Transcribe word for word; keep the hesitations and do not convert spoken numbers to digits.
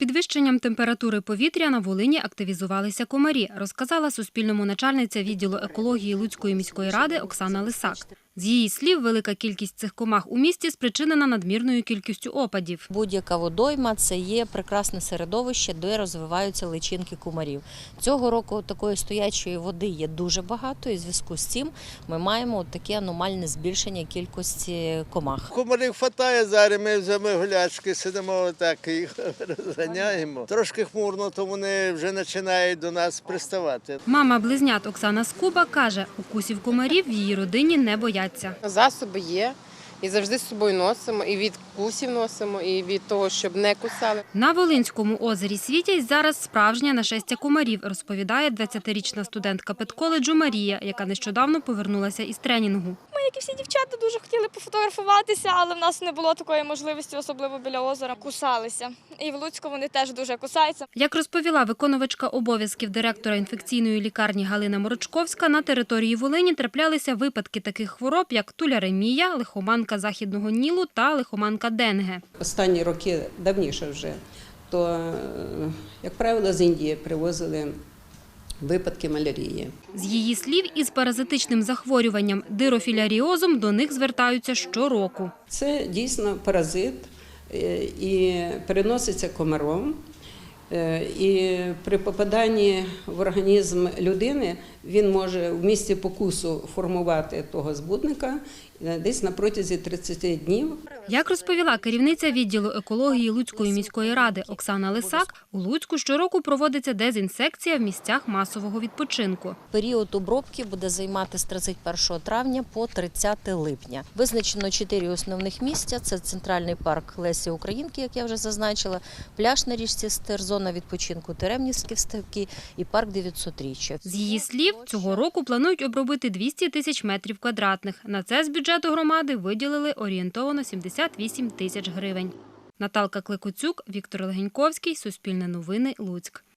підвищенням температури повітря на Волині активізувалися комарі, розказала Суспільному начальниця відділу екології Луцької міської ради Оксана Лисак. З її слів, велика кількість цих комах у місті спричинена надмірною кількістю опадів. Будь-яка водойма – це є прекрасне середовище, де розвиваються личинки комарів. Цього року такої стоячої води є дуже багато, і в зв'язку з цим ми маємо таке аномальне збільшення кількості комах. Комарів вистачає, зараз ми вже ми гулячки сидимо, так і їх розганяємо. Трошки хмурно, то вони вже починають до нас приставати. Мама близнят Оксана Скуба каже, укусів комарів в її родині не бояться. Засоби є, і завжди з собою носимо, і від кусів носимо, і від того, щоб не кусали. На Волинському озері Світязь зараз справжнє нашестя комарів, розповідає двадцятирічна студентка педколеджу Марія, яка нещодавно повернулася із тренінгу. Ми, як і всі дівчата, дуже хотіли пофотографуватися, але в нас не було такої можливості, особливо біля озера. Кусалися. І в Луцьку вони теж дуже кусаються. Як розповіла виконувачка обов'язків директора інфекційної лікарні Галина Морочковська, на території Волині траплялися випадки таких хвороб, як туляремія, лихоманка західного Нілу та лихоманка Денге. Останні роки, давніше вже, то, як правило, з Індії привозили випадки малярії. З її слів, із паразитичним захворюванням дирофіляріозом до них звертаються щороку. Це дійсно паразит і переноситься комаром. І при попаданні в організм людини він може в місці покусу формувати того збудника десь на протязі тридцяти днів. Як розповіла керівниця відділу екології Луцької міської ради Оксана Лисак, у Луцьку щороку проводиться дезінсекція в місцях масового відпочинку. Період обробки буде займати з тридцять першого травня по тридцяте липня. Визначено чотири основних місця – це центральний парк Лесі Українки, як я вже зазначила, пляж на річці Стир, зона відпочинку Теремнівські ставки і парк дев'ятсотріччя. З її слів, цього року планують обробити двісті тисяч метрів квадратних. На це з бюджету громади виділили орієнтовно сімдесят вісім тисяч гривень. Наталка Кликоцюк, Віктор Легеньковський, Суспільне новини, Луцьк.